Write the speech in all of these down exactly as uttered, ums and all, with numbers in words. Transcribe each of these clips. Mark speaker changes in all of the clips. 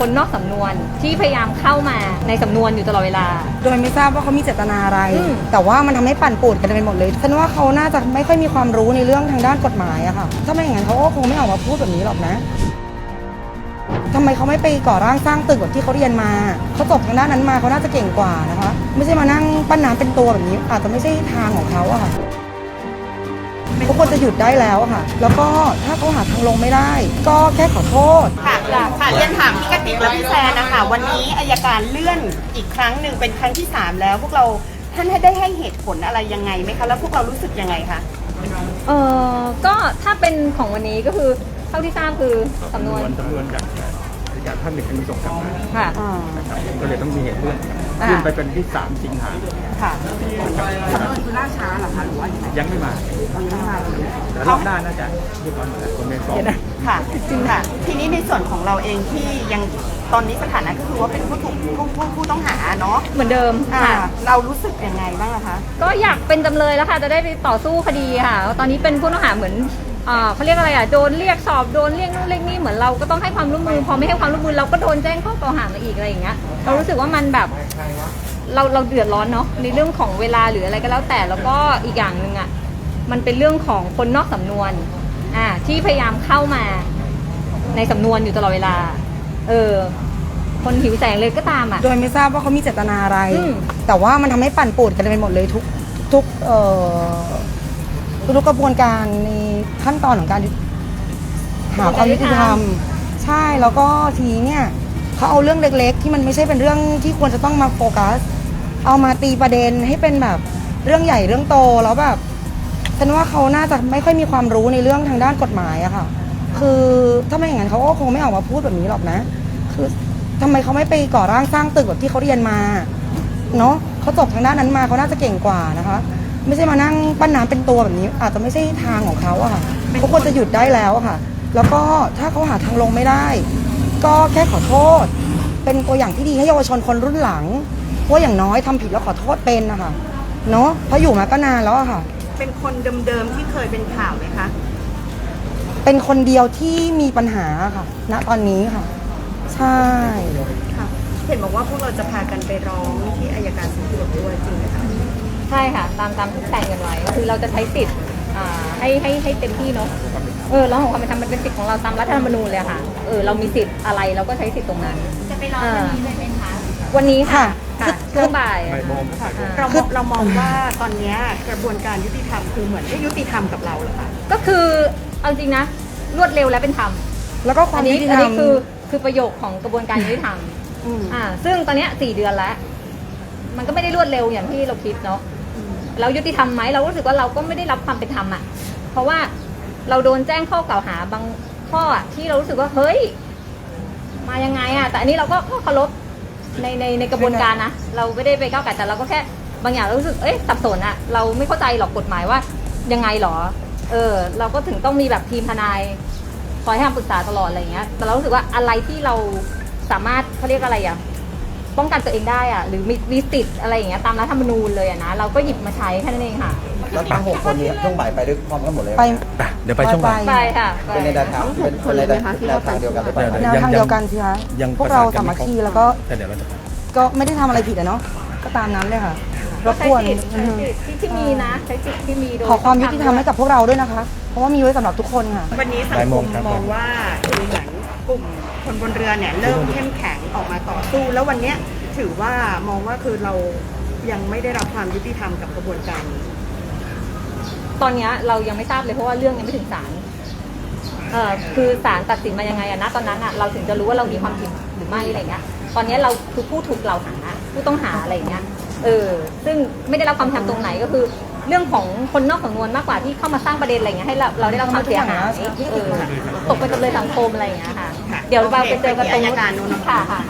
Speaker 1: คนนอกสำนวนที่พยายามเข้ามาในสำนวนอยู่ตลอดเวลา
Speaker 2: โดยไม่ทราบว่าเขามีเจตนาอะไรแต่ว่ามันทำให้ปั่นป่วนกันไปหมดเลยฉันว่าเขาน่าจะไม่ค่อยมีความรู้ในเรื่องทางด้านกฎหมายอะค่ะถ้าไม่อย่างนั้นเขาก็คงไม่ออกมาพูดแบบนี้หรอกนะทำไมเขาไม่ไปก่อร่างสร้างตึกแบบที่เขาเรียนมาเขาจบทางด้านนั้นมาเขาน่าจะเก่งกว่านะคะไม่ใช่มานั่งปั้นน้ำเป็นตัวแบบนี้อาจจะไม่ใช่ทางของเขาอะค่ะเขาควรจะหยุดได้แล้วค่ะ แล้วก็ถ้าเขาหาทางลงไม่ได้ ก็แค่ขอโทษ
Speaker 3: ค่ะค่ะเรียนถามพี่กติกและพี่แซนนะคะวันนี้อัยการเลื่อนอีกครั้งหนึ่งเป็นครั้งที่สามแล้วพวกเราท่านได้ให้เหตุผลอะไรยังไงไหมคะแล้วพวกเรารู้สึกยังไงคะ
Speaker 1: เออก็ถ้าเป็นของวันนี้ก็คือเท่าที่ทราบคือสำนวน
Speaker 4: สำนวนจากจากท่านหนึ่งมีส่งกลับมา
Speaker 1: ค่ะ
Speaker 4: นะครับก็เลยต้องมีเหตุเลื่อนเลื่อนไปเป็นที่สามสิงหา
Speaker 3: ค่ะสำนวนคือล่าช้าเหรอคะหรือว่า
Speaker 4: ยังไม่มาแต่รอบหน้าน่าจะเรียบร้อยหมดแล้วคนในสอบ
Speaker 3: ค่ะจริงค่ะทีนี้ในส่วนของเราเองที่ยังตอนนี้สถานะก็คือว่าเป็นผู้ถูกผู้ผู้ผู้ต้องหาเนาะ
Speaker 1: เหมือนเดิม
Speaker 3: ค่ะเรารู้สึกยังไงบ้างคะ
Speaker 1: ก็อยากเป็นจำเลยแล้วค่ะจะได้ไปต่อสู้คดีค่ะตอนนี้เป็นผู้ต้องหาเหมือนเขาเรียกอะไรอ่ะโดนเรียกสอบโดนเรียกนู่นเรียกนี่เหมือนเราก็ต้องให้ความร่วมมือพอไม่ให้ความร่วมมือเราก็โดนแจ้งข้อกล่าวหามาอีกอะไรอย่างเงี้ยเรารู้สึกว่ามันแบบเราเราเดือดร้อนเนาะในเรื่องของเวลาหรืออะไรก็แล้วแต่แล้วก็อีกอย่างหนึ่งอ่ะมันเป็นเรื่องของคนนอกสำนวนอ่าที่พยายามเข้ามาในสำนวนอยู่ตลอดเวลาเออคนหิวแสงเลยก็ตามอ่ะ
Speaker 2: โดยไม่ทราบว่าเขามีเจตนาอะไรแต่ว่ามันทำให้ปั่นป่วนกันไปหมดเลยทุกทุกเอ่อทุกกระบวนการในขั้นตอนของการหาความยุติธรรมใช่แล้วก็ทีเนี่ยเขาเอาเรื่องเล็กๆที่มันไม่ใช่เป็นเรื่องที่ควรจะต้องมาโฟกัสเอามาตีประเด็นให้เป็นแบบเรื่องใหญ่เรื่องโตแล้วแบบฉันว่าเขาน่าจะไม่ค่อยมีความรู้ในเรื่องทางด้านกฎหมายอะค่ะคือถ้าไม่อย่างนั้นเขาก็คงไม่ออกมาพูดแบบนี้หรอกนะคือทำไมเขาไม่ไปก่อร่างสร้างตึกแบบที่เขาเรียนมาเนาะเขาจบทางด้านนั้นมาเขาน่าจะเก่งกว่านะคะไม่ใช่มานั่งปั้นน้ำเป็นตัวแบบนี้อาจจะไม่ใช่ทางของเขาอะค่ะเขาควรจะหยุดได้แล้วค่ะแล้วก็ถ้าเขาหาทางลงไม่ได้ก็แค่ขอโทษเป็นตัวอย่างที่ดีให้เยาวชนคนรุ่นหลังว่าอย่างน้อยทำผิดแล้วขอโทษเป็นนะคะเนาะเพราะอยู่มาก็นานแล้วอะค่ะ
Speaker 3: เป็นคนเดิมๆที่เคยเป็นข่าวไหมคะ
Speaker 2: เป็นคนเดียวที่มีปัญหาค่ะณตอนนี้ค่ะใช่
Speaker 3: ค่ะเห็นบอกว่าพวกเราจะพากันไปร้องที่อัยการสูงสุดด้วยจริงไหมคะ
Speaker 1: ใช่ค่ะตามตามที่แจ้งกันไว้ก็คือเราจะใช้สิทธิ์ให้ให้ให้เต็มที่เนาะเออร้องขอความเป็นธรรมมันเป็นสิทธิ์ของเราตามรัฐธรรมนูญเลยค่ะเออเรามีสิทธิ์อะไรเราก็ใช้สิทธิ์ตรงนั้น
Speaker 3: จะไปร้องวันนี้เลยเป็นคะ
Speaker 1: วันนี้ค่ะช่วงบ่าย
Speaker 3: เราเรามองว่าตอนนี้กระบวนการยุติธรรมคือเหมือนไม่ยุติธรรมกับเราเหรอคะ
Speaker 1: ก็คือเอาจริงนะรวดเร็วและเป็นธรรม
Speaker 2: แล้วก็ความยุติธรรม
Speaker 1: อันนี้คือคือประโยคของกระบวนการยุติธรรมอ่าซึ่งตอนนี้สี่เดือนแล้วมันก็ไม่ได้รวดเร็วอย่างที่เราคิดเนาะเรายุติธรรมไหมเรารู้สึกว่าเราก็ไม่ได้รับความเป็นธรรมอ่ะเพราะว่าเราโดนแจ้งข้อกล่าวหาบางข้อที่เรารู้สึกว่าเฮ้ยมายังไงอ่ะแต่อันนี้เราก็เคารพในในในกระบวนการนะเราไม่ได้ไปก้าวไก่แต่เราก็แค่บางอย่างเรารู้สึกเอ้ยสับสนอ่ะเราไม่เข้าใจหรอกกฎหมายว่ายังไงหรอเออเราก็ถึงต้องมีแบบทีมทนายคอยให้คำปรึกษาตลอดอะไรเงี้ยแต่เรารู้สึกว่าอะไรที่เราสามารถเขาเรียกอะไรอ่ะป้องกันตัวเองได้อ่ะหรือมีมีสิทธิ์อะไรอย่างเงี้ยตามรัฐธรรมนูญเลยอ่ะนะเราก็หยิบมาใช้แค่นั้นเองค่ะ
Speaker 5: แล้วทั้งหกคนนี้ช่วงบ่ายไปด้วยพร้อมกันหมดเลย
Speaker 2: ไป
Speaker 4: เดี๋ยวไปช่วงบ่าย
Speaker 1: ไปค่ะ
Speaker 5: เป็นในแนวทางเป็นในแนวทางเดียวกัน
Speaker 2: แนวทางเดียวกันสิคะพวกเราสามัคคีแล้วก็ก็ไม่ได้ทำอะไรผิดอะเนาะก็ตามนั้นเลยค่ะรบกวน
Speaker 1: ที่มีนะใช้สิทธิ์ที่มี
Speaker 2: ขอความยุติธรรมให้กับพวกเราด้วยนะคะเพราะว่ามีไว้สำหรับทุกคนค่ะ
Speaker 3: วันนี้สังคมมองว่าคือเหมือนกลุ่มคนบนเรือเนี่ยเริ่มเข้มแข็งออกมาต่อสู้แล้ววันนี้ถือว่ามองว่าคือเรายังไม่ได้รับความยุติธรรมกับกระบวนการ
Speaker 1: ตอนนี้เรายังไม่ทราบเลยเพราะว่าเรื่องยังไม่ถึงศาลเอ่อคือศาลตัดสินมายังไงอะนะตอนนั้นอะเราถึงจะรู้ว่าเรามีความผิดหรือไม่อะไรเงี้ยตอนนี้เราคือผู้ถูกกล่าวหาผู้ต้องหาอะไรเงี้ยเออซึ่งไม่ได้รับความธรรมตรงไหนก็คือเรื่องของคนนอกสำนวนมากกว่าที่เข้ามาสร้างประเด็นอะไรเงี้ยให้เราเราได้รับความเสียหายเออตกเป็นจำเลยสังคมอะไรเงี้ยค่ะเดี๋ยวเราไปเจอกันตรงนู้นค่ะค่ะ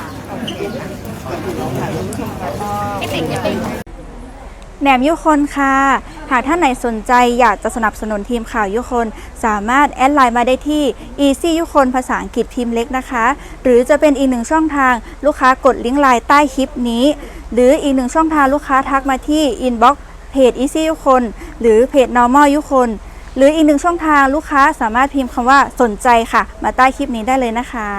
Speaker 6: แหนมยุคนค่ะหากท่านไหนสนใจอยากจะสนับสนุนทีมข่าวยุคนสามารถแอดไลน์มาได้ที่ Easy ยุคนภาษาอังกฤษพิมพ์เล็กนะคะหรือจะเป็นอีกหนึ่งช่องทางลูกค้ากดลิงก์ไลน์ใต้คลิปนี้หรืออีกหนึ่งช่องทางลูกค้าทักมาที่ Inbox เพจ Easy ยุคนหรือเพจ Normal ยุคนหรืออีกหนึ่งช่องทางลูกค้าสามารถพิมพ์คำว่าสนใจค่ะมาใต้คลิปนี้ได้เลยนะคะ